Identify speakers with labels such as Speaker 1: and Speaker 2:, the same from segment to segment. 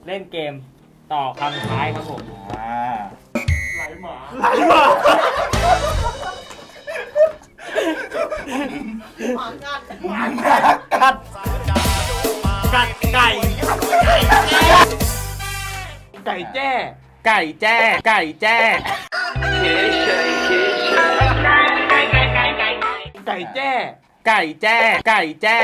Speaker 1: เล่นเกมต่อคำท้ายครับผมไหลหมา
Speaker 2: หมากัดไก่ไก่แจ้ไก่แจ้ไก่แจ้ไก่แจ้ไก่แจ้ไก่แจ้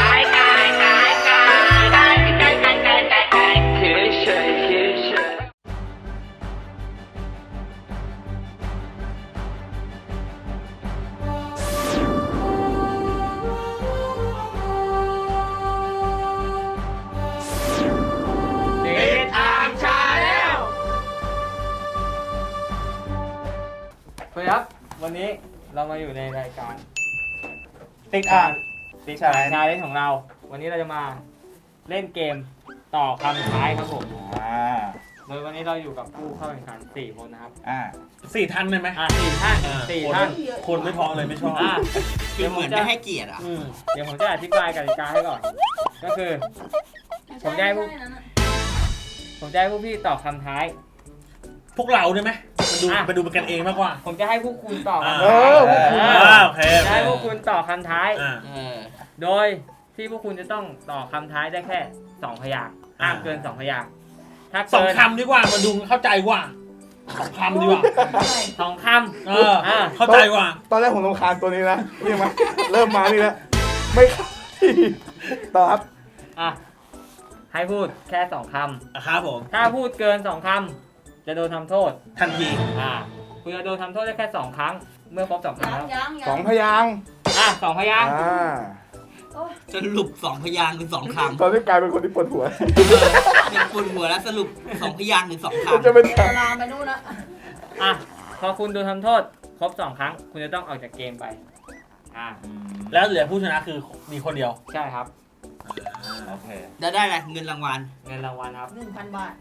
Speaker 1: ครับวันนี้เรามาอยู่ในรายการ
Speaker 2: ติดอ่าง
Speaker 1: ติดอ่างชาเลนจ์ของเราวันนี้เราจะมาเล่นเกมต่อคำท้ายครับผมโดยวันนี้เราอยู่กับผู้เข้าแข่งขัน4คนนะครับ
Speaker 2: 4 ท่านได้ไหม
Speaker 1: 4 ท่าน4 ท่าน
Speaker 2: คนไม่พอเลยไม่ชอบ
Speaker 3: เดี๋ยวเหมือนไม่ให้เกียรติอ่ะ
Speaker 1: เดี๋ยวผมจะอธิบายกติกาให้ก่อนก็คือผมจะให้พวกพี่ตอบคำท้าย
Speaker 2: พวกเราได้ไหมมาดูกันเองมากกว่า
Speaker 1: ผมจะให้พวกคุณตอบ
Speaker 2: โอเค
Speaker 1: จะให้พวกคุณตอบคำท้ายโดยที่พวกคุณจะต้องตอบคำท้ายได้แค่2 พยางค์ห้ามเกิน2 พยางค์ถ้าเกิน
Speaker 2: 2 คำดีกว่ามาดูเข้าใจกว่า2 คำดีกว่า
Speaker 1: 2 ค
Speaker 2: ำเข้าใจกว่า
Speaker 4: ตอนแรกผมรำคาญตัวนี้นะนี่มาเริ่มมานี่แล้วไม่ต่อครับ
Speaker 1: ให้พูดแค่2 คำ
Speaker 2: ครับผม
Speaker 1: ถ้าพูดเกิน2 คำจะโดนทำโทษ
Speaker 2: ทันที
Speaker 1: คุณจะโดนทำโทษได้แค่2 ครั้งเมื่อครบ2 ครั้งแล้ว
Speaker 4: 2 พยางค์
Speaker 1: 2 พยางค์
Speaker 3: สรุป2 พยางค์หรือ2 คำ
Speaker 4: ตอนนี้กลายเป็นคนที่ปวดหัว
Speaker 3: เป็นปวดหัวแล้วสรุป2 พยางค์หรือ2 คำ
Speaker 4: จะเป็นเว
Speaker 2: ลาไปนู่นนะ
Speaker 1: พอคุณโดนทำโทษครบ2 ครั้งคุณจะต้องออกจากเกมไป
Speaker 2: แล้วเหลือผู้ชนะคือมีคนเดียว
Speaker 1: ใช่ครับ
Speaker 2: โอเค
Speaker 3: ได้อะไรเงินรางวัล
Speaker 1: ครับ
Speaker 2: 1,000 บาท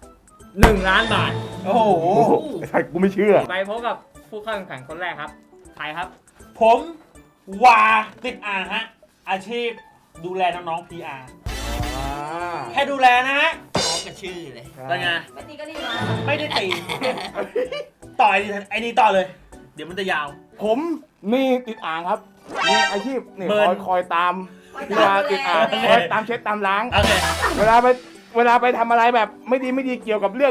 Speaker 1: 1 ล้านบาท
Speaker 4: โอ้โหใช่กูไม่เชื่อ
Speaker 1: ไปพบกับผู้เข้าแข่งขันคนแรกครับใครครับ
Speaker 2: ผมวาติดอ่างฮะอาชีพดูแลน้องๆ PR แค่ดูแลนะฮะ
Speaker 3: พร้อมกับชื่อเลย
Speaker 2: เป็นไงไม่ตีก็รีบมาไม่ได้ตีต่อไอ้นี่ต่อเลยเดี๋ยวมันจะยาว
Speaker 4: ผมนี่ติดอ่างครับมีอาชีพนี่คอยตามเวลาติดอ่างคอยตามเช็ดตามล้างเวลาไปทำอะไรแบบไม่ดีเกี่ยวกับเรื่อง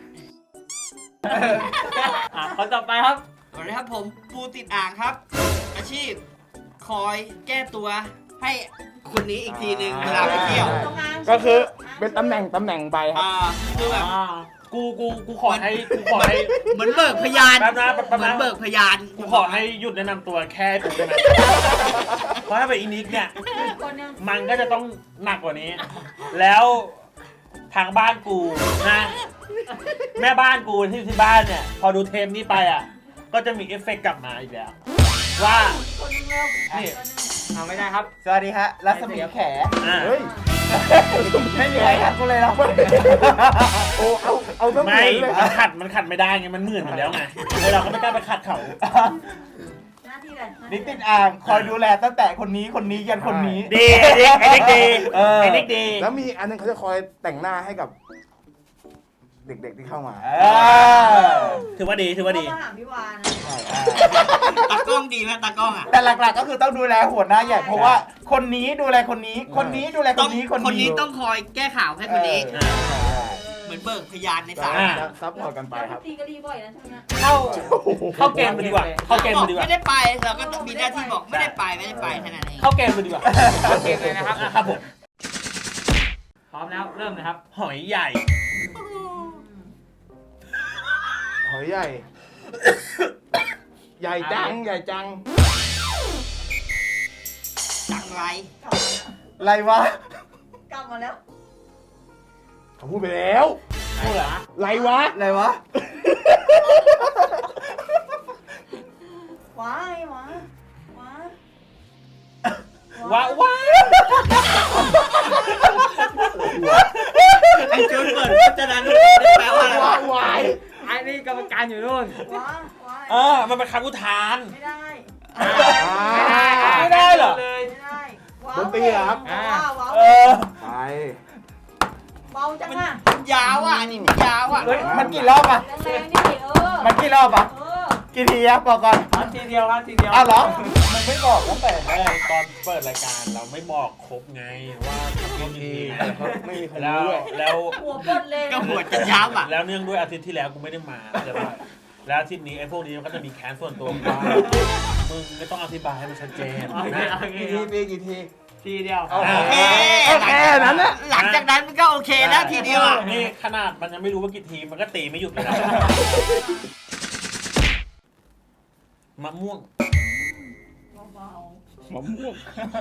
Speaker 1: คนต่อไปครับ
Speaker 3: สวัสดีครับผมปูติดอ่างครับอาชีพคอยแก้ตัวให้คนนี้อีกทีนึงเวลาไปเที่ยว
Speaker 4: ก็คือเป็นตำแหน่งไปครับ
Speaker 3: คือแบบ
Speaker 2: กูขอให้
Speaker 3: เหมือนเบิกพยานเหมือนเบิกพยาน
Speaker 2: กูขอให้หยุดแนะนำตัวแค่กูได้ไหมเพราะถ้าเป็นอินิกเนี่ยมันก็จะต้องหนักกว่านี้แล้วทางบ้านกูนะแม่บ้านกูที่บ้านเนี่ยพอดูเทปนี้ไปก็จะมีเอฟเฟกต์กลับมาอีกแล้วว่า
Speaker 1: นี่เอาไม่ได้ครับ
Speaker 3: สวัสดีฮะรัศมีแข
Speaker 4: เฮ้ย
Speaker 3: ไม่มีใครขัดกูเลยหรอก
Speaker 4: โอ้เอาต้อง
Speaker 2: ไม่มันขัดไม่ได้ไงมันเหมือนอยู่แล้วไงเราก็ไม่กล้าไปขัดเขา
Speaker 3: นิติดอ่างคอยดูแลตั้งแต่คนนี้ยันคนนี้
Speaker 2: ดีไอ้เด็กดี
Speaker 4: แล้วมีอันนึงเขาจะคอยแต่งหน้าให้กับเด็กๆที่เข้ามา
Speaker 2: ถือว่าดี
Speaker 3: ตากล้องดีไหมตากล้องแต่หลักๆก็คือต้องดูแลหัวหน้าใหญ่เพราะว่าคนนี้ดูแลคนนี้ดูแลคนนี้ต้องคอยแก้ข่าวให้คนนี้เหมือนเบิกพยานในศาล
Speaker 4: ซับพอร์ตกันไปครับ
Speaker 2: ตีก็ดีบ่อยนะช่วงนี้เข้าเกมไปดีกว่า
Speaker 3: ไม่ได้ไปเราก็มีหน้าที่บอกไม่ได้ไปแค่นั้นเอง
Speaker 2: เข้าเกมไปดีกว่า
Speaker 1: เข้าเกมเลยนะครับ
Speaker 2: ครับผม
Speaker 1: พร้อมแล้วเริ่มเลยครับ
Speaker 2: หอยใหญ่
Speaker 4: ใหญ่จัง
Speaker 3: จัง
Speaker 4: ไรวะ
Speaker 2: กลับมาแล้ว
Speaker 4: เขาพูดไปแล้ว
Speaker 1: พูดเหรอ
Speaker 4: ไรวะ
Speaker 2: ว้า
Speaker 3: ไอ้จุดเปิดจะนั้นแปลว่าอะไร
Speaker 4: วาย
Speaker 1: ไอ้นี่กรรมการอยู่นู่น
Speaker 2: มันเป็นคำอุทาน
Speaker 3: ไม่ได้
Speaker 2: เหรอ
Speaker 4: ดนตรีครับ
Speaker 2: ไป
Speaker 3: ว้าว
Speaker 5: จังอ่ะ
Speaker 3: ยาวอ่ะอันนี้มันยาวอ่ะ
Speaker 1: เฮ้ย
Speaker 3: มันกี่รอบอ่ะ
Speaker 5: แรงๆดิ
Speaker 3: มันกี่รอบอ่ะ กี่ทีอะบอกก่อน
Speaker 1: ทีเดียวครับทีเดียว
Speaker 3: อ้าวเหรอมันไม่บอกตั้งแต่
Speaker 2: แรกตอนเปิดรายการเราไม่บอกครบไงว่าทำกี่ที
Speaker 4: ไม่มีใคร
Speaker 2: แล้ว
Speaker 4: รู้ด้วย
Speaker 2: แล้ว
Speaker 5: หัวปดเลย
Speaker 3: ก็หัวจะย้ำอ่ะ
Speaker 2: แล้วเนื่องด้วยอาทิตย์ที่แล้วกูไม่ได้มาใช่ปะแล้วอาทิตย์นี้ไอ้พวกนี้มันก็จะมีแค้นส่วนตัวกูว่ามึงไม่ต้องอธิบายให้มันชัดเจน
Speaker 1: โอเค
Speaker 2: นะ
Speaker 1: โอเค
Speaker 4: กี่ที
Speaker 1: ทีเดียว
Speaker 3: โอเค
Speaker 4: แค่นั้นนะ
Speaker 3: หลังจากนั้นมันก็โอเคแล้วทีเดียวอ่ะ
Speaker 2: นี่ขนาดมันยังไม่รู้ว่ากี่ทีมันก็ตีไม่หยุดเลยนะมะม่วง
Speaker 5: เบาม
Speaker 4: ะม่วง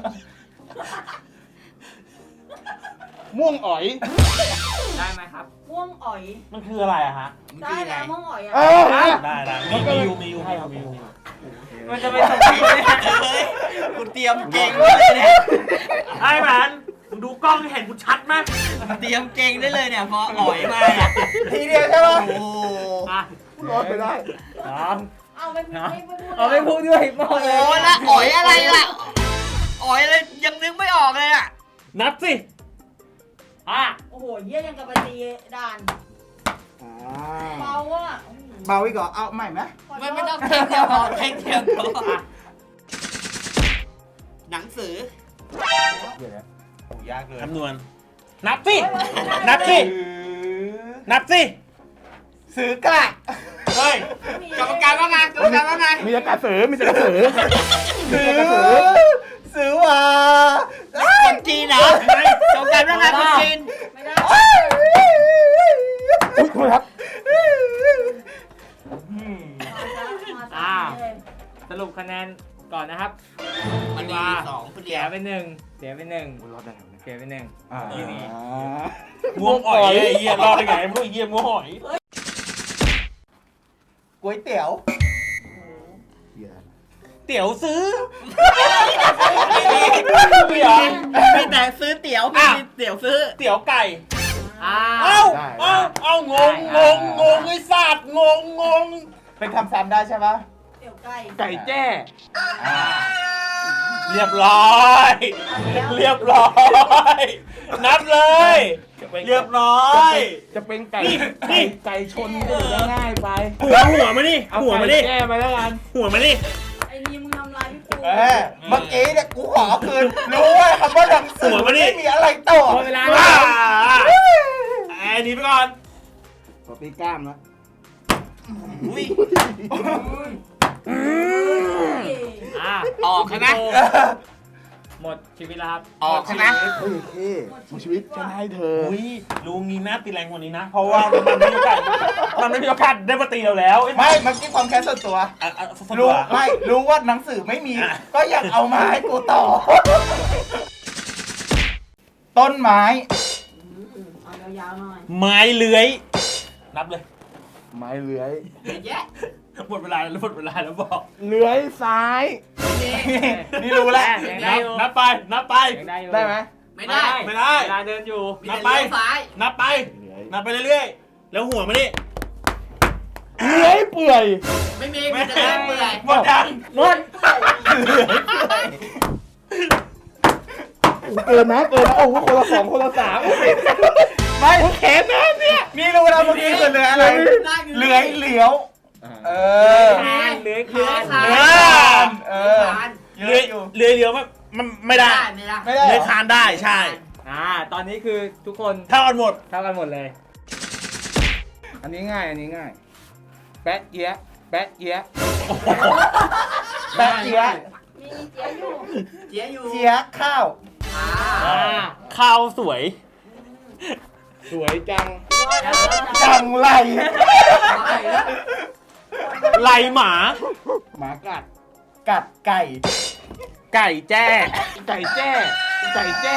Speaker 4: ม่วงอ๋อย
Speaker 1: ได้ไหมครับ
Speaker 5: ๆม่วงอ๋อย
Speaker 2: มันคืออะไรอะฮะ
Speaker 5: ได้แล้วม่วงอ๋อยอ่ะ
Speaker 4: เออ
Speaker 2: ได้มีอยู่
Speaker 1: มันจะไปส่งที่ไหน
Speaker 3: เฮ้ยกูเตรียมเก่งเลยเนี่ย
Speaker 2: ไอ้แมนมึงดูกล้องเห็นกูชัดไหม
Speaker 3: เตรียมเก่งได้เลยเนี่ยพออ่อยมาเนี่ยทีเดียวใช่ปะโอ้
Speaker 1: อ่ะ
Speaker 4: รอดไปได้
Speaker 1: สอง
Speaker 5: เอาไม่พูด
Speaker 1: เอาไม่พูดด้วยมอง
Speaker 3: โห
Speaker 1: เลย
Speaker 3: แล้วอ่อยอะไรล่ะอ่อยอะไรยังนึกไม่ออกเลยอ่ะ
Speaker 2: นับสิ
Speaker 1: อ่ะ
Speaker 5: โอ้โหเยี่ยยังกับปฏิด่านเบาอ่ะ
Speaker 3: เบาอีกเหรอเอาใหม่ไหม
Speaker 5: ขอโทษ
Speaker 3: ไม่ต้องเท่งเดียวพอเท่งเดียวพอหนังสือโอ้ยากเลย
Speaker 2: คำนวณนับสินับสินับสิ
Speaker 3: ซื้อกระ
Speaker 2: เฮ้ย
Speaker 3: กรรมการว่าไงกรรมการว่าไง
Speaker 4: มีแต่กระสือมีแต่กระสือ
Speaker 3: ซื้อว่าคนจีนเหรอกรรมการว่าไงคนจีน
Speaker 5: ไม่ได้
Speaker 4: อุ้ยโทษครับ
Speaker 5: มาซะเลย
Speaker 1: สรุปคะแนนก่อนนะครับ
Speaker 3: มันมีสองคนเดี
Speaker 1: เสี
Speaker 3: ย
Speaker 1: ยว ไปหนึ่งเสียไปหนึ่ง
Speaker 4: รอดได้ไง
Speaker 1: เสียไปหนึ่ง
Speaker 4: ที่นี่
Speaker 2: ม่วงอ่อยไอ้เหี้ยรอดได้ไงพวกไอ้เหี้ยม่วงอ่อย
Speaker 3: ก๋วยเตี๋ยว
Speaker 2: เตี๋ยวซื้อ
Speaker 3: มีมีแต่ซื้อเตี๋ยวไม่มีเตี๋ยวซื้อ
Speaker 2: เตี๋ยวไก่
Speaker 1: อ่า
Speaker 2: เอ้างงไอ้สัตว์งง
Speaker 3: เป็นคำซ้ำได้ใช่ปะ
Speaker 5: เดี๋ยวไก่
Speaker 4: ไก่แจ้
Speaker 2: เรียบร้อย เรียบร้อย นับเลย เรียบร้อย
Speaker 4: จะเป็นไก่
Speaker 2: นี่
Speaker 4: ไก่ชนก็จะง่ายไป
Speaker 2: หัวมาดิ
Speaker 4: เอา
Speaker 2: หัวมา
Speaker 4: ไก่
Speaker 2: ดิ
Speaker 4: แจ้ไปแล้วกัน
Speaker 2: หัวมาดิ
Speaker 5: ไอ้นี่มึงทำร้ายพี่ปู
Speaker 3: เมื่อกี้เนี่ยกูขอคืนรู้ว่าคำว่าหนังสือไม่มีอะไรต่อ
Speaker 1: หมดเวลา
Speaker 2: ว้า
Speaker 1: แล้ว
Speaker 2: ไอ้นี่ไปก่อน
Speaker 4: ขอตีกล้ามนะ
Speaker 3: อุ้ย
Speaker 1: อ่ะ
Speaker 3: ออกใช่ไหม
Speaker 1: หมดชีวิตแล้วครับ
Speaker 3: ออกใช่ไหม
Speaker 4: เฮ้ยพี่ชีวิตฉันให้เธอ
Speaker 2: อุ้ยลุงนี้น่าตีแรงกว่านี้นะ เพราะว่ามันไม่มีโอกาสได้มาตีเราแล้ว
Speaker 3: ไม่เมื่อกี้ความแค้นส่วนตัว
Speaker 2: รู้
Speaker 3: รู้ไม่รู้ว่าหนังสือไม่มี ก็ยังเอามาให้กูต่อ ต้นไม้
Speaker 5: เอายาวๆหน่อย
Speaker 2: ไม้เลื้อย นับเลย
Speaker 4: ไม้เลื้อย
Speaker 3: แยะ
Speaker 2: หมดเวลาแล้วบอก
Speaker 4: เลื้อยซ้าย
Speaker 3: นี่รู้แล้ว
Speaker 1: ยังได้อยู่
Speaker 2: นับไป
Speaker 1: ยังได้อยู่
Speaker 4: ได้ไหม
Speaker 3: ไม่ได้
Speaker 2: ไม่ได้
Speaker 1: เวลาเดินอยู่
Speaker 3: มีแต่เลี้ยวซ้าย
Speaker 2: นับไป
Speaker 4: เลื้อย
Speaker 2: นับไปเรื่อยๆ แล้วหัวมาดิ
Speaker 4: เลื้อยเปื่อย
Speaker 3: ไม่มีมีแต่เลี้ยวเปื่อย
Speaker 2: หมดยัง
Speaker 1: หมด
Speaker 4: เกินนะโอ้โหคนละสองคนละสาม
Speaker 3: ไม่แขนนะเนี่ยนี่รู้แล้วเมื่อกี้คือเรืออะไรเลื้อยเหลียว เออ
Speaker 1: คานเลื้อยคาน
Speaker 3: เลื้อยคานเออ
Speaker 2: เลื้อยเลี้ยวมันไม่ได้
Speaker 3: ไม่ได้
Speaker 2: เลื้อยคานได้ใช่
Speaker 1: ตอนนี้คือทุกคน
Speaker 2: เท่ากันหมด
Speaker 1: เท่ากันหมดเลย
Speaker 4: อันนี้ง่ายแปะเจี๊ยะแปะเจี๊ยะ
Speaker 3: แปะเจี๊ยะ
Speaker 5: มีเจี๊ยบอยู่
Speaker 3: เจี๊ยะข้าว
Speaker 2: ข้าวสวย
Speaker 4: สวยจัง
Speaker 3: จังไร
Speaker 2: ไหลหมา
Speaker 4: หมากัด
Speaker 3: กัดไก่
Speaker 2: ไก่แจ้
Speaker 4: ไก่แจ้ไก่แจ้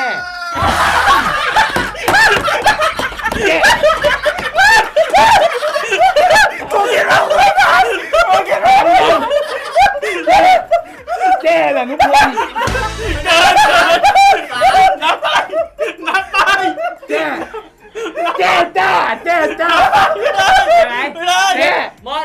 Speaker 4: แจ้แหละนุพงศ์
Speaker 2: นับไป
Speaker 4: แจ้จ้า
Speaker 1: ไ
Speaker 2: ไม่ได้
Speaker 1: หม
Speaker 4: แจ้
Speaker 1: หมด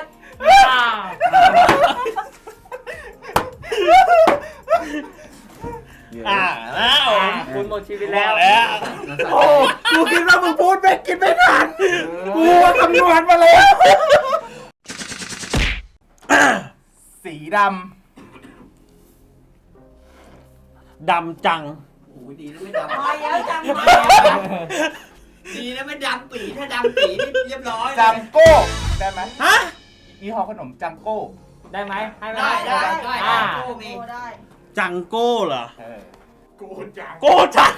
Speaker 2: แล้ว
Speaker 1: คุณหมดชีวิต
Speaker 2: แล้
Speaker 1: แล้ว ว
Speaker 2: โอ้
Speaker 3: กูคิดว่ามึงพูดไม่คิดไม่ทันกูคำนวณมาแล้ว สีด
Speaker 2: ดำจัง
Speaker 3: ำโอ้ยดีนะไม่ด
Speaker 5: มาแล้วจังมา
Speaker 3: ำดีนะไม่ดำปีถ้าดำปีนี่เรียบร้อยจังโก้ ได้ไหม
Speaker 2: ฮะ
Speaker 3: ยี่ห้อขนมจังโก้
Speaker 1: ได้ไหมให้ไหม
Speaker 3: ได้
Speaker 1: อ่า
Speaker 5: โอ้ได้
Speaker 2: จังโก้เหรอ
Speaker 4: โกจัง
Speaker 2: โก้จัง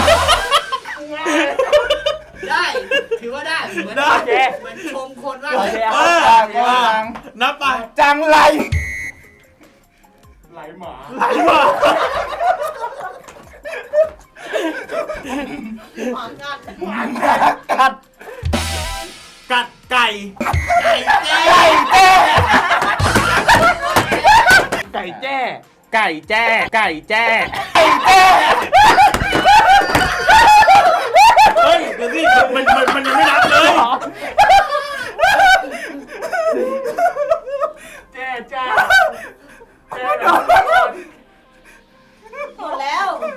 Speaker 3: ได้ ถือว่าได้ เหมือน
Speaker 2: ได้
Speaker 1: โอเค
Speaker 3: เหมือนชมคนว่า
Speaker 1: โอเค
Speaker 2: เอ
Speaker 1: เอา
Speaker 2: อ
Speaker 3: จัง
Speaker 2: นับไป
Speaker 3: จังไร
Speaker 4: ไหลหมา
Speaker 2: ไหลมา
Speaker 5: หมากัด
Speaker 3: กัด
Speaker 2: กัดไก่
Speaker 3: ไก่แจ้
Speaker 4: ไก่แจ้
Speaker 2: ไก่แจ้ ไก่แจ้ เฮ้ย เดี๋ยวสิมันยังไม่นับเลย
Speaker 1: แจ้แจ้แจ้
Speaker 5: หมดแล้ว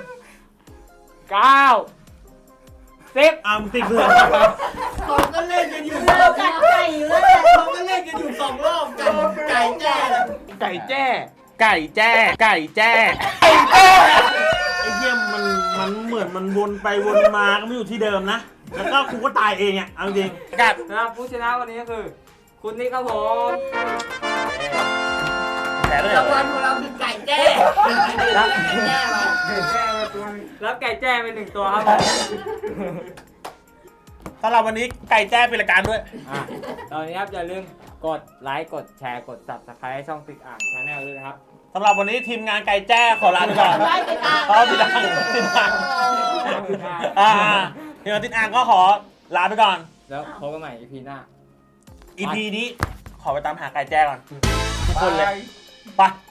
Speaker 1: 9 10
Speaker 2: มึงติดเพื่อน
Speaker 3: เขาก็เล่นกันอยู่
Speaker 5: เรากัดไก่อยู่แล้ว
Speaker 3: เขาก็เล่นกันอยู่2 รอบกันไก่แจ้
Speaker 4: ไก่แจ้
Speaker 2: ไก่แจ้ ไก่แจ้ ไอ้เยี่ยมมันเหมือนมันวนไปวนมาก็ไม่อยู่ที่เดิมนะ แล้วก็กูก็ตายเองอ่ะ เอาจริงกัด
Speaker 1: นะครับผู้ชนะวันนี้ก็คือ คุณนิกครับผม
Speaker 2: แผลเลยเหร
Speaker 3: รางวั
Speaker 2: อ
Speaker 3: ลของเราคือไก่แจ้ไก่แจ้มา
Speaker 1: รับไก่แจ้ไป1 ตัวครับผม
Speaker 2: สำหรับวันนี้ไก่แจ้เป็นรายการด้วย
Speaker 1: อ่ะตอนนี้ครับอย่าลืมกดไลค์กดแชร์กด subscribe ให้ช่องติดอ่างชาแนลด้วยนะครับ
Speaker 2: สำหรับวันนี้ทีมงานไก่แจ้ขอลาไปก่อน
Speaker 5: ไล่ไปตาม
Speaker 2: ขอติดอ่างติดอ่างทีมงานติดอ่างก็ขอลาไปก่อน
Speaker 1: แล้วพบกันใหม่ EP หน้า
Speaker 2: EP นี้ขอไปตามหาไก่แจ้ก่อน ทุกคนเลย ไป